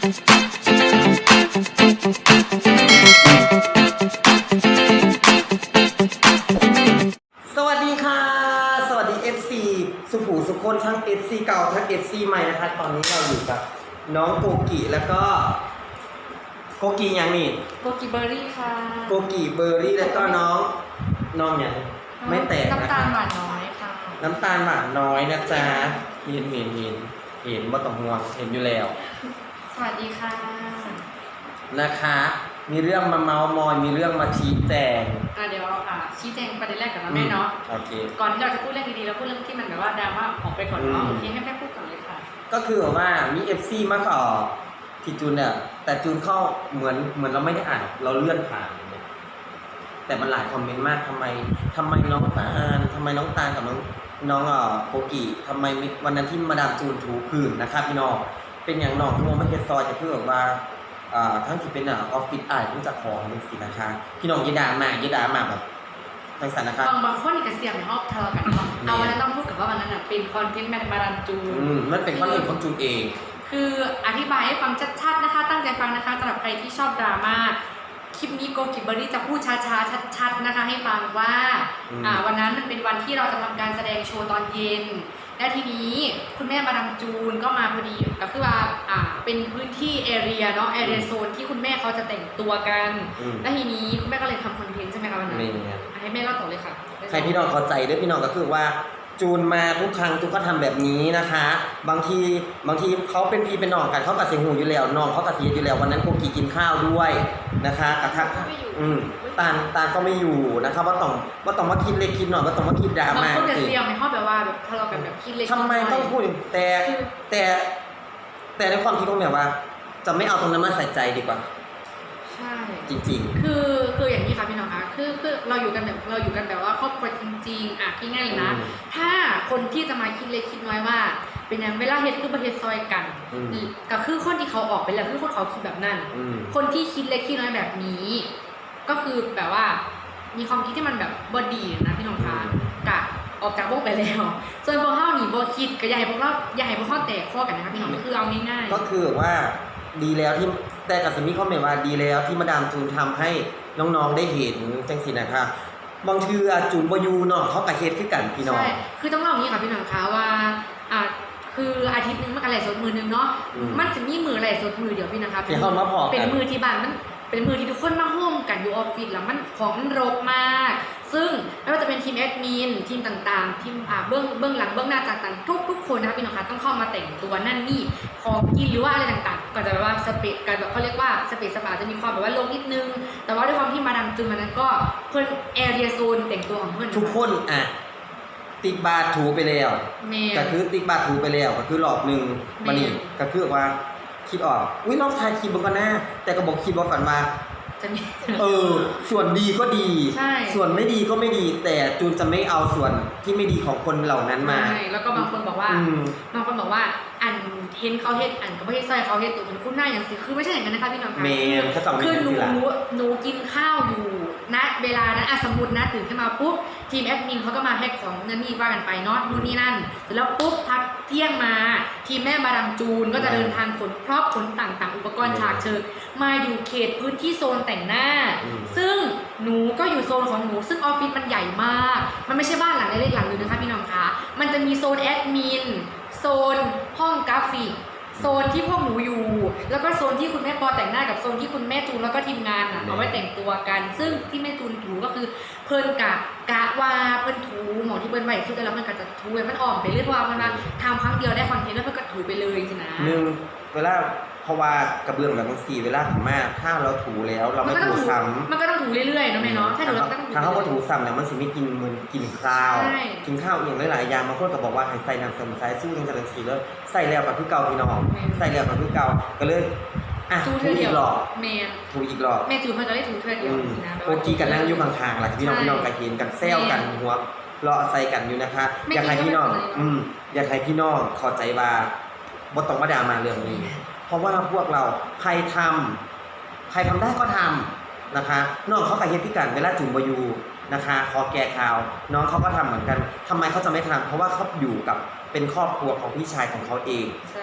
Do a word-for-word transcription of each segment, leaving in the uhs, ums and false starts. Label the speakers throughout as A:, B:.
A: สวัสดีค่ะสวัสดี เอฟ ซี สุขูสุขคนทั้ง เอฟ ซี เก่าทั้ง เอฟ ซี ใหม่นะคะตอนนี้เราอยู่กับน้องโกกิแล้วก็โกกิอย่างนี้
B: โกกิเบอร์รี่ค่ะ
A: โกกิเบอร์รี่แล้วก็น้องน้องอย่างไม่แตกนะ
B: น้ำตา
A: คะ
B: ลหวานน้อยค่ะ
A: น้ำตาลหวานน้อยนะจ๊ะเห็นเห็นเห็นเห็นบ่ต้องห่วงเห็นอยู่แล้ว
B: สวัสดีค่ะ
A: นะคะมีเรื่องมาเมาส์มอยมีเรื่องมาชี้แจง
B: อ่ะเดี๋ยวอ่ะชี้แจงประเด็นแรกก่อนนะแม่เนาะ
A: โอเค
B: ก่อนที่เราจะพูดเรื่องดีๆเราพูดเรื่องที่มันแบบว่าดราม่าออกไปก่อนเนาะ
A: อืม
B: โอเคให้แม่พูดก่อนเลยค่ะ
A: ก็คือว่ามี เอฟ ซี มาขอที่จูนเนี่ยแต่จูนเข้าเหมือนเหมือนเราไม่ได้อ่านเราเลื่อนผ่านเนี่ยแต่มันหลายคอมเมนต์มากทำไมทำไมน้องตาลทำไมน้องตาลกับน้องน้องเอ่อโกกิทำไมวันนั้นที่มาดามจูนถูพื้นนะครับพี่น้องเป็นอย่างน้องที่มองไม่เห็นซอยจะเพื่อแบบว่าอ่าทั้งที่เป็นอ่ะออฟฟิศอายผู้จัดของเป็นสินะคะพี่น้องยีดามายีดามาแบบทังสันนะครับ
B: บางบางคนกับเสียงในห้องทะเลาะกันเนาะเอาวันนั้นต้องพูดกับว่าวันนั้นอ่ะเป็นคอนเทนต์แมนมารันจูน
A: อืมมันเป็นข้อเรื่องของจูนเอง
B: คืออธิบายให้ฟังชัดๆนะคะ ตั้งใจฟังนะคะสำหรับใครที่ชอบดราม่าคลิปนี้โกกิเบอร์รี่จะพูดช้าๆชัดๆนะคะให้ฟังว่าอ่าวันนั้นมันเป็นวันที่เราจะทำการแสดงโชว์ตอนเย็นและทีนี้คุณแม่มาดามจูนก็มาพอดีก็คือว่าอ่าเป็นพื้นที่แอเรียเนาะแอเรียโซนที่คุณแม่เขาจะแต่งตัวกันและทีนี้คุณแม่ก็เลยทำคอนเทนต์ใช่ไหมคะวันนั้นให้แม่เล่าต่อเลยค่ะ
A: ใครพี่น้องเข้าใจด้วยพี่น้องก็คือว่าจูนมาทุกครั้งจูนก็ทำแบบนี้นะคะ บางทีบางทีเขาเป็นพี่เป็นน้องกันเขากับเสียงหูอยู่แล้วน้องเขากับเสียอยู่แล้ววันนั้นโกกิกินข้าวด้วยนะคะกระทั่งอืมตาลตาลก็ไม่อยู่นะคะว่าต้องว่าต้องมาคิดเล็กคิดหน่อยว่าต้องมาคิดดรา
B: บาง
A: ม่า
B: คนจะเสียงในห้องแบบว่าแบบทะเลาะกันแบบคิดเล็ก
A: ทำไมต้องพูดแต่แต่แต่ในความคิดของแบบว่า จะไม่เอาตรงนั้นมาใส่ใจดีกว่า
B: ใช่
A: จริงๆ
B: คือคืออย่างนี้ค่ะพี่น้องคะคือคือเราอยู่กันแบบเราอยู่กันแบบว่าครอบครัวจริงๆอ่ะที่ง่ายเลยนะถ้าคนที่จะมาคิดเล็กคิดน้อยว่าเป็นอย่างเวลาเฮ็ดคือประเทศซอยกันก็คือคนที่เขาออกไปแล้วคือคนเขาคิดแบบนั้นคนที่คิดเล็กคิดน้อยแบบนี้ ก็คือแบบว่ามีความคิดที่มันแบบบอดีนะพี่น้องคะกะออกจากวงไปแล้วส่วนพวกเฮาหนีบ่คิดก็อย่าให้พวกเราอย่าให้พวกเฮาแตกข้อกันนะคะพี่น้องคือเอาง่ายๆ
A: ก็คือว่าดีแล้วที่แต่กับสมีคอมเมนต์ว่าดีแล้วที่มาดามจูนทำให้น้องๆได้เห็นจังสินะคะบางทีจูนบอยูเนาะเขากับเฮ็ดคือกันพี่น้องใช่
B: คือต้องเล่าอย่างนี้ค่ะพี่น้องคะว่าอ่าคืออาทิตย์นึงมันกันไหลสดมือนึงเนาะมันจะมีมือไหลสดมือเดียวพี่นะคะ
A: เป็น
B: เป็นมือที่บ้านมันเป็นมือที่ทุกคนมาร่วมกันอยู่ออฟฟิศแล้วมันของมันรกมากซึ่งไม่ว่าจะเป็นทีมแอดมินทีมต่างๆทีมอ่าเบื้องเบื้องหลังเบื้องหน้าต่างๆทุกทุกคนนะคะพี่น้องคะต้องเข้ามาแต่งตัวนั่นนี่ของกินหรือว่าอะไรต่างๆก็จะแบบว่าสเปซกันแบบเขาเรียกว่าสเปซสปาจะมีความแบบว่าลงนิดนึงแต่ว่าด้วยความที่มาดามจูนมันนั้นก็เพื่อนแอเรียโซนแต่งตัวของเพื่อน
A: ทุกคนอ่ะติกบาทถูไปแล้วก็คือติกบาทถูไปแล้วก็คือรอบนึงมานี่ก็คือว่าคิดออกอุ้ยลองถ่ายคลิปบนก็น่าแต่ก็บอกคิดว่าฝันว่าเออส่วนดีก็ดีส่วนไม่ดีก็ไม่ดีแต่จูนจะไม่เอาส่วนที่ไม่ดีของคนเหล่านั้นมา
B: ใช่แล้วก็บางคนบอกว่าบางคนบอกว่าอันเห็นเขาเฮ็ดอันก็ไม่ใช่ซอยเขาเฮ็ดตัวเป็นคู่หน้าอย่างสิคือไม่ใช่อย่างนั้นนะคะพี่น้องคะคือหนูหนูกินข้าวอยู่ณเวลานั้นอ่ะสมมุตินะตื่นขึ้นมาปุ๊บทีมแอดมินเขาก็มาแพ็คของนั่นนี่ว่ากันไปเนาะนู่นนี่นั่นเสร็จแล้วปุ๊บพักเที่ยงมาทีมแม่มาดามจูนก็จะเดินทางขนครอบขนต่างๆอุปกรณ์ฉากเชิงมาอยู่เขตพื้นที่โซนแต่งหน้าซึ่งหนูก็อยู่โซนของหนูซึ่งออฟฟิศมันใหญ่มากมันไม่ใช่บ้านหลังเล็กๆหลังนึงนะคะพี่น้องคะมันจะมีโซนแอดมินโซนห้องกราฟิกโซนที่พวกหนูอยู่แล้วก็โซนที่คุณแม่ปอแต่งหน้ากับโซนที่คุณแม่จูนแล้วก็ทีมงานอ่ะเอาไว้แต่งตัวกันซึ่งที่แม่จูนถูก็คือเพิ่นกะกะว่าเพิ่นถูหมอที่เพิ่นไหวสุดแล้วมันก็จะถูมันอ่อมไปเรื่อยเพราะว่ามันมาทำครั้งเดียวได้คอนเทนต์แล้วเพิ่นก็ถูไปเลยสินะ
A: หนึ่งเวลาเพราะว่ากระเบื้องแบบบางสีเวลาถูมากถ้าเราถูแล้วเราไม่ถูซ้ำ
B: มันก็ต้องถูเรื่อยๆนะแม่เนาะถ้าเราต้อง
A: ถ้าเขาก็ถูซ้ำเนี่ยมันสิไม่กินเหมือนกินข้าวกินข้าวอย่างหลายๆอย่างบางคนก็บอกว่าให้ใส่น้ำสมุนไพรสู้จังจังสีแล้วใส่แล้วกับคือเก่าพี่น้องใส่แล้วกับคือเก่าก็เลยอ่ะถูอีกหรอก
B: แม่
A: ถูอีกหรอก
B: แม่จูนมันก็ได้ถูเธอเดียวสินะ
A: โอกีกันนั่งอยู่ข้างๆหลังพี่น้องพี่น้องกันเห็นกันแซวกันหัวเลาะใส่กันอยู่นะคะอยากให้พี่น้องอืมอยากให้พี่น้องเข้าใจว่าบ่ต้องมาด่ามาเรื่องนี้เพราะว่าพวกเราใครทำใครทำได้ก็ทำนะคะน้องเขากับเฮ็ดที่กันเวลาจุ่มบอยูนะคะขอแก้ข่าวน้องเขาก็ทำเหมือนกันทำไมเขาจะไม่ทำเพราะว่าเขาอยู่กับเป็นครอบครัวของพี่ชายของเขาเอง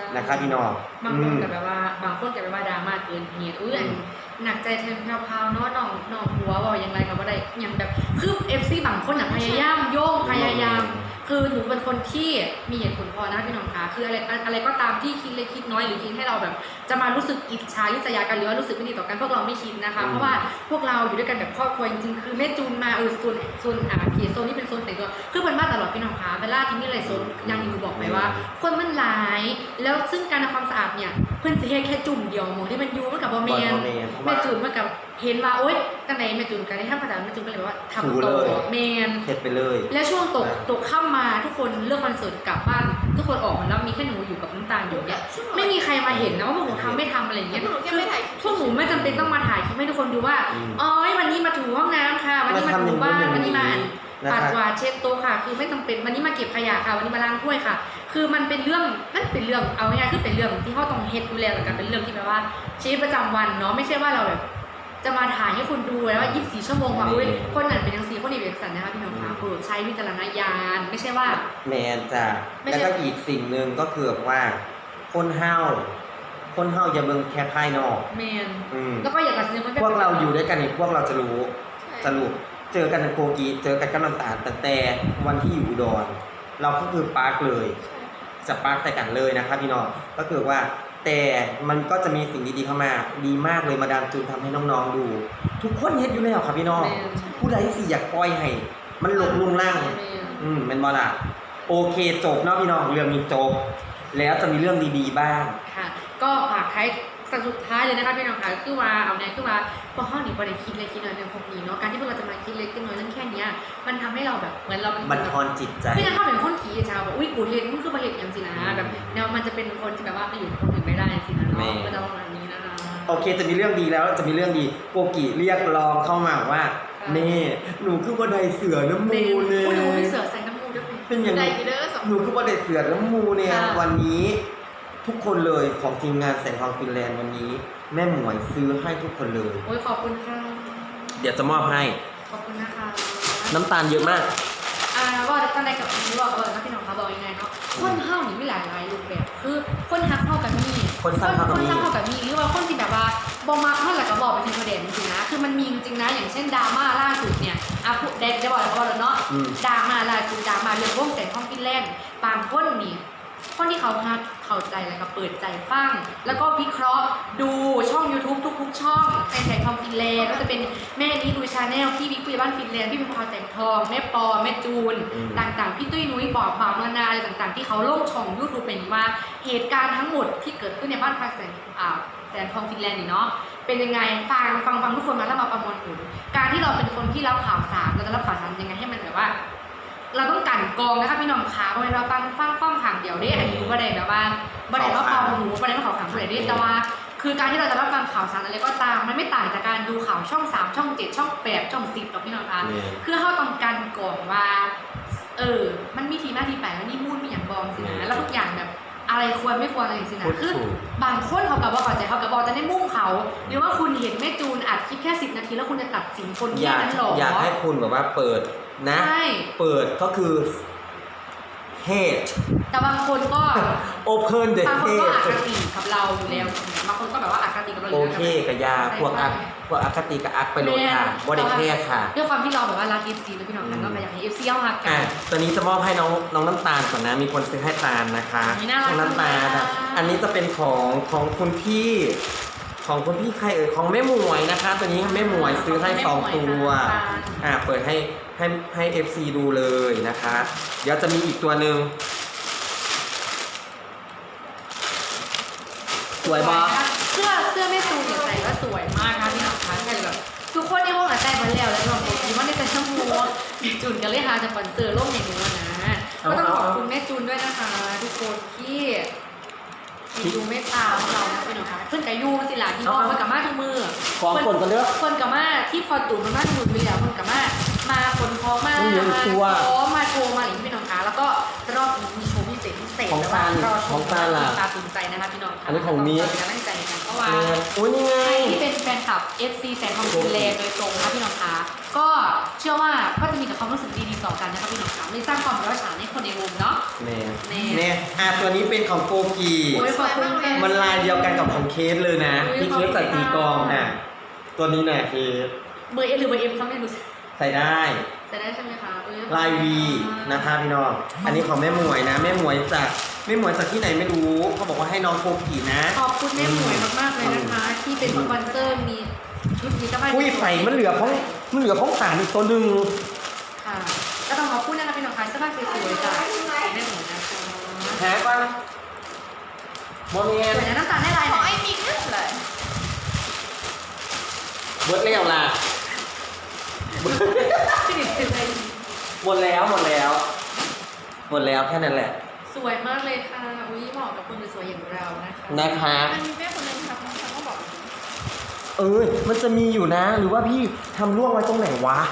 A: นะครับพี่น้อง
B: บางคนกับแบบว่าบางคนกับแบบว่าดราม่าเกินเหตุอุ้ยหนักใจแทนแพรวๆเนาะน้องน้องหัวบอกยังไงกับว่าได้ยังแบบคือเอฟซีบางคนอ่ะพยายามโยงพยายามคือหนูเป็นคนที่มีเหตุผลพอนะพี่น้องคะคืออะไรอะไรก็ตามที่คิดเล็กคิดน้อยหรือคิดให้เราแบบจะมารู้สึกอิจฉาริษยากันหรือว่ารู้สึกไม่ดีต่อกันพวกเราไม่คิดนะคะเพราะว่าพวกเราอยู่ด้วยกันแบบครอบครัวจริงๆคือแม่จูนมาเออโซนโซนอ่าเขียโซนนี้เป็นโซนแต่งตัวคือเป็นมาตลอดพี่น้องคะเวลาที่มีอะไรโซนยังหนูบอกไปว่า คนมันหลายแล้วซึ่งการทำความสะอาดเนี่ยเพื่อนจะแค่แค่จุ่มเดียวมองที่มันยูมันกับบอเมนแม่จูนมันกับเห็นว่าโอ๊ยตั้งแต่แม่จูนกันได้ทำภาษาแม่จูนก็เลยว่าทำต่อเมน
A: เฮ็ดไปเลย
B: และช่วงตกตกค่ำมาทุกคนเลิกคอนเสิร์ตกลับบ้านทุกคนออกมาแล้วมีแค่หนูอยู่กับน้ำตาลอยู่เนี่ยไม่มีใครมาเห็นนะว่าพวกหนูทำไม่ทำอะไรอย่างเงี้ยพวกหนูไม่จำเป็นต้องมาถ่ายคลิปให้ทุกคนดูว่าอ๋อวันนี้มาถูห้องน้ำค่ะวันนี้มาถูบ้านวันนี้มาปัดกวาดเช็ดโต๊ะค่ะคือไม่จำเป็นวันนี้มาเก็บขยะค่ะวันนี้มาล้างถ้วยค่ะคือมันเป็นเรื่องนั่นเป็นเรื่องเอาง่ายๆคือเป็นเรื่องที่เขาต้องเฮ็ดดูแลกันเป็นเรื่องที่แบบว่าชีวิตประจำวันเนาะไม่ใช่ว่าเราแบบจะมาถ่ายให้คุณดูแล้วว่ายี่สิบสี่ชั่วโมงว่าอุ้ยคนนั้นเป็นอย่างสี่คนนี้เป็นอย่างสันนะคะพี่น้องคะโปรดใช้วิจารณญาณไม่ใช่ว่า
A: แมนจ้ะแล้วก็อีกสิ่งหนึ่งก็คือว่าคนเฮาคนเฮาอย่าเบิ่งแค่ภายนอก
B: แมนแล้วก็อย่าตัดสิน
A: พวกเราอยู่ด้วยกันเนี่ยพวกเราจะรู้จะรู้เจอกันในโกกีเจอกันกับน้ำตาลตั้งแต่วันที่อยู่อุดรเราก็คือปาร์คเลยจะปาร์คใส่กันเลยนะครับพี่น้องก็คือว่าแต่มันก็จะมีสิ่งดีๆเข้ามาดีมากเลยมาดามจูนทำให้น้องๆดูทุกคนเฮ็ดอยู่แล้วครับพี่น้องผู้ใดสิอยากปล่อยให้มันหลงลุงล่างอืมเป็นบอล่ะโอเคจบเนาะพี่น้องเรื่องนี้จบแล้วจะมีเรื่องดีๆบ้าง
B: ค่ะก็ฝากใครสุดท้ายเลยนะคะพี่น้องค่ะคือว่าเอาแน่คือว่าพอห้องนี้ประเด็นคิดเล็กคิดน้อยเรื่องพวกนี้เนาะการที่พวกเราจะมาคิดเล็กคิดน้อยเรื่องแค่นี้มันทำให้เราแบบเหมือนเราเป็น
A: บันทอนจิตใจ
B: พี่จะเข้าเป็นคนขี้ชาวแบบอุ้ยกูเห็นมันคือประเหตุอย่างสินะแบบแนวมันจะเป็นคนที่แบบว่าไม่อยู่คนอื่นไม่ได้สินะเนาะก็จะประมาณนี้นะคะ
A: โอเคจะมีเรื่องดีแล้วจะมีเรื่องดีโกกิเรียกร้องเข้ามาว่าเน่หนูคือบันไดเสือน้ำมูเนี่ย
B: หนูมีเสือใส่น้ำมูด้วย
A: เป็นอย่างไรหนูคือบันไดเสือน้ำมูเนี่ยวันนี้ทุกคนเลยของทีมงานแสงทองฟินแลนด์วันนี้แม่หมวยซื้อให้ทุกคนเลย
B: โอ้ยขอบคุณค่ะ
A: เดี๋ยวจะมอบให้
B: ขอบคุณนะคะ
A: น้ำตาลเยอะมาก
B: อ่าว่าตั้งแต่กับพี่บอกเออนะพี่น้องเขาบอกยังไงเนาะคนเฮานี่มีหลายหลายรูปแบบคือคนฮักเฮากับมี
A: คนสร้างเฮากับมี
B: คนสร้างเฮากับมีหรือว่าคนที่แบบว่าบ่มักเฮาแล้วก็บอกเป็นประเด็นจริงๆนะคือมันมีจริงๆนะอย่างเช่นดราม่าล่าสุดเนี่ยอ่ะพูดได้จะบอกแล้วก็เนาะดราม่าล่าสุดดราม่าเรื่องวงแสงทองฟินแลนด์บางคนนี่คนที่เขาฮักเข้าใจแล้วก็เปิดใจฟังแล้วก็วิเคราะห์ดูช่อง ยูทูบ ทุกๆช่องแสงทองฟินแลนด์ก็จะเป็นแม่นี้ดูชาแนลพี่บิ๊กปุยบ้านฟินแลนด์พี่เป็นพอแสงทองแม่ปอแม่จูนต่างๆพี่ตุ้ยนุ้ยบอกบ่าวนานาอะไรต่างๆที่เขาลงช่อง ยูทูบ เป็นว่าเหตุการณ์ทั้งหมดที่เกิดขึ้นในบ้านพักแสงอ่าแสงทองฟินแลนด์นี่เนาะเป็นยังไงฟังฟังฟังทุกคนมาแล้วมาประมวลผลการที่เราเป็นคนที่รับข่าวสารเราจะรับข่าวสารยังไงให้มันแบบว่าเราต้องกันกองนะคะพี่น้องขาเพราะเราฟังฟังฟังขังเดียวได้อันนี้ประเด็นแบบว่าประเด็นว่าความรู้ประเด็นว่าข่าวสารประเด็นได้แต่ว่าคือการที่เราจะรับฟังข่าวสารอะไรก็ตามมันไม่ต่างจากการดูข่าวช่องสามช่องเจ็ดช่องแปดช่องสิบหรอกพี่น้องคะคือเขาต้องการก่อนว่าเออมันมีทีหน้าที่แปดมันมีมูลมีอย่างบอมสินะแล้วทุกอย่างแบบอะไรควรไม่ควรอะไรอย่างสินะคือบางคนเขากับว่าเข้าใจเขากับบอกจะได้มุ่งเขาหรือว่าคุณเห็นแม่จูนอัดคลิปแค่สิบนาทีแล้วคุณจะตัดสินคนแค่นั้นหรอ
A: อยากให้คุณแบบว่าเปิดนะเปิดก็คือ hate
B: แต่บางคนก็
A: open the hate
B: บางคนก็อคติกับเราอยู่แล้วบางคนก็แบบว่าอคติกับเราอยู่
A: แล้วโอเคกับยาพวกอักพวกอคติกับอักไปโดนค่ะบ่ได้แค่ค่ะ
B: ด้วยความที่เราแบบว่ารัก เอฟ ซี แล้วพี่น้องกันก็อยากให้ เอฟ ซี เอาหักกัน
A: ตอนนี้จะมอบให้น้องน้องน้ำตาลก่อนนะมีคนซื้อให้ตาลนะคะน้องน้ำตาลอันนี้จะเป็นของของคุณพี่ของคุณพี่ใครเอ่ยของแม่หมวยนะคะตัวนี้แม่หมวยซื้อให้สองตัวอ่าเปิดให้ให้ให้ เอฟ ซี ดูเลยนะคะเดี๋ยวจะมีอีกตัวหนึ่งสวยปะ
B: เสื้อเสื้อแม่ตูนใส่ก็สวยมากค่ะพี่น้องคะใช่แบบทุกคนในห้องอ่ะแต่งมาแล้วแล้วบางคนคิดว่าในแต่ชั่วโมงแม่จูนกันเลยค่ะจะสปอนเซอร์ร่วมในนู้นนะก็ต้องขอบคุณแม่จูนด้วยนะคะทุกคนที่ที่ดูเมตตาของเรานะพี่น้องคะเพื่อนกับยูสิล่ะที่พ่อเพื่อนกับมาทุกมือ
A: ของคนกันเลือก
B: คนกับมาที่พอตู่มันมาทุกมือไปแล้วคนกับมามาคนพอมามาพอมาโชว์มาอย่างพี่น้องคะแล้วก็รอบนี้มีโชว์พิเศษพิเศษ
A: ของตาลของตาลล่ะ
B: ตาตื่นใจนะคะพี่น้องคะ
A: อันนี้ของมี
B: กำลังใจกันเพราะว่า
A: โอ้ยนี่ไง
B: ที่เป็นแฟนคลับ เอฟ ซี แสงทองฟินแลนด์โดยตรงนะคะพี่น้องคะก็เชื่อว่าก็จะมีแต่ความรู้สึกดีๆต่อกันนะคะพี่น้องคะเลยสร้างความร้าวฉานให้คนในวงเนาะ
A: เน่
B: แน่
A: เน่อ่ะตัวนี้เป็นของโกกี
B: โอ้ยขอบคุณค่ะ
A: มันลายเดียวกันกับของเคสเลยนะ
B: อุ๊ย
A: ที่เคสใส่ตีกลองน่ะตัวนี้น่ะเคส
B: เบอร์เอหรือเบอร์เอ็มเขาไม่รู้
A: ใส่ได้
B: จะได้ใช่ไหมคะเอ้
A: ลายวีนะคะพี่น้องอันนี้ของแม่หมวยนะแม่หมวยจากแม่หมวยจากที่ไหนไม่รู้เขาบอกว่าให้น้องโกกีนะ
B: ขอบคุณแม่หมวยมากๆเลยนะคะ ที่เป็นสปอนเซอร์มีชุดนี้ก็ไม่
A: อุ้ยไฟมันเหลือของมันเหลือของสารอีกตัวหนึ่ง
B: ค่ะก็ต้องขอบคุณนะคะพี่น้องคะเสื้อผ้าสวยๆจากแม่หมวยนะคะ
A: หาก่อนโมเม
B: ส
A: น
B: วยนะน้ำตาลได้ลาย
C: ข
B: ไหน
C: องไอ้มิกนั่นเลย
A: เบิร์ดเลี้ยวล่ะ
B: ที่หนึ่งเป็นอะไร
A: หมดแล้วหมดแล้ว หมดแล้วแค่นั้นแหละ
B: สวยมากเลยค่ะอุ้ยเหมาะกับคนสวยๆอย่างเรานะคะ
A: นะคะ
C: มันมีแม่คนนึงทำทำก็บอก
A: เออมันจะมีอยู่นะ หรือว่าพี่ทำล่วงไว้ตรงไหนวะ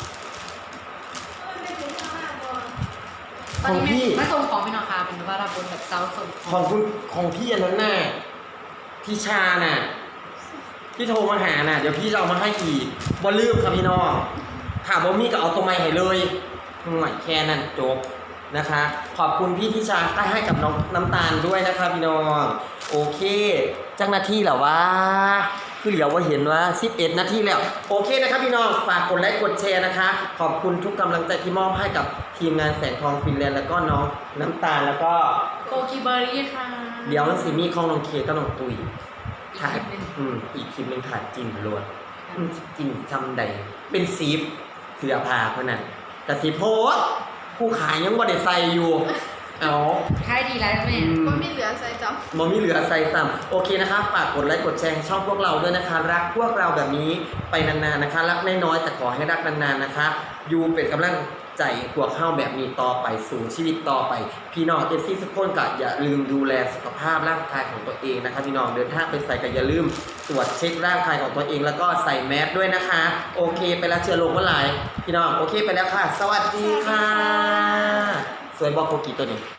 B: ตอนนี้
A: ของพี่
B: แม่ส่งของพี่น้องคะเป็นว่าเราบนแบบเซาส่ง
A: ของคุณของพี่อันนั้นน่ะพี่ชาน่ะพี่โทรมาหาน่ะเดี๋ยวพี่จะเอามาให้อีกบ่ลืมครับพี่น้องถามว่ามีก็เอาตัวไม้ให้เลยหน่อยแค่นั้นจบนะคะ ขอบคุณพี่ทิชาได้ให้กับน้องน้ำตาลด้วยนะคะพี่น้องโอเคจังนาทีเหรอวะคือเหลียวว่าเห็นว่าสิบเอ็ดนาทีแล้วโอเคนะครับพี่น้องฝากกดไลค์กดแชร์นะคะ ขอบคุณทุกกำลังใจที่มอบให้กับทีมงานแสงทองฟินแลนด์แล้วก็น้องน้ำตาลแล้วก็
B: โกกิเบอร์รี่ค่ะ
A: เดี๋ยวมันสิมีของน้องเคกับน้องตุย
B: อีก
A: ถ่าย
B: นิดนึง
A: อืมอีกคลิปหนึงถ่ายจินรวดอืมจินจำใดเป็นซีฟเสือผ้าเพราะนั้นแต่สีโพสต์ผู้ขายยังบ่ได้ใส่อยู่ เอา
B: ค่ายดีแล้วแม่
A: อืม
C: มันไม่เหลือใส่จำ
A: บ่มีเหลือใส่ซ้ำโอเคนะคะฝากกดไลค์กดแชร์ให้ช่องพวกเราด้วยนะคะ รักพวกเราแบบนี้ไปนานๆนะคะ รักน้อยๆแต่ขอให้รักนานๆนะคะอยู่เป็นกำลังใจพวกเข้าแบบนี้ต่อไปสู่ชีวิตต่อไป พี่น้องเอฟซีทุกคนก็อย่าลืมดูแลสุขภาพร่างกายของตัวเองนะคะพี่น้องเดินทางไปใส่ก็อย่าลืมตรวจเช็คร่างกายของตัวเองแล้วก็ใส่แมสด้วยนะคะ โอเคไปแล้วเชื้อโรคเมื่อไหร่พี่น้องโอเคไปแล้วค่ะ สวัสดีค่ะ สวยบอกโกกีตัวนี้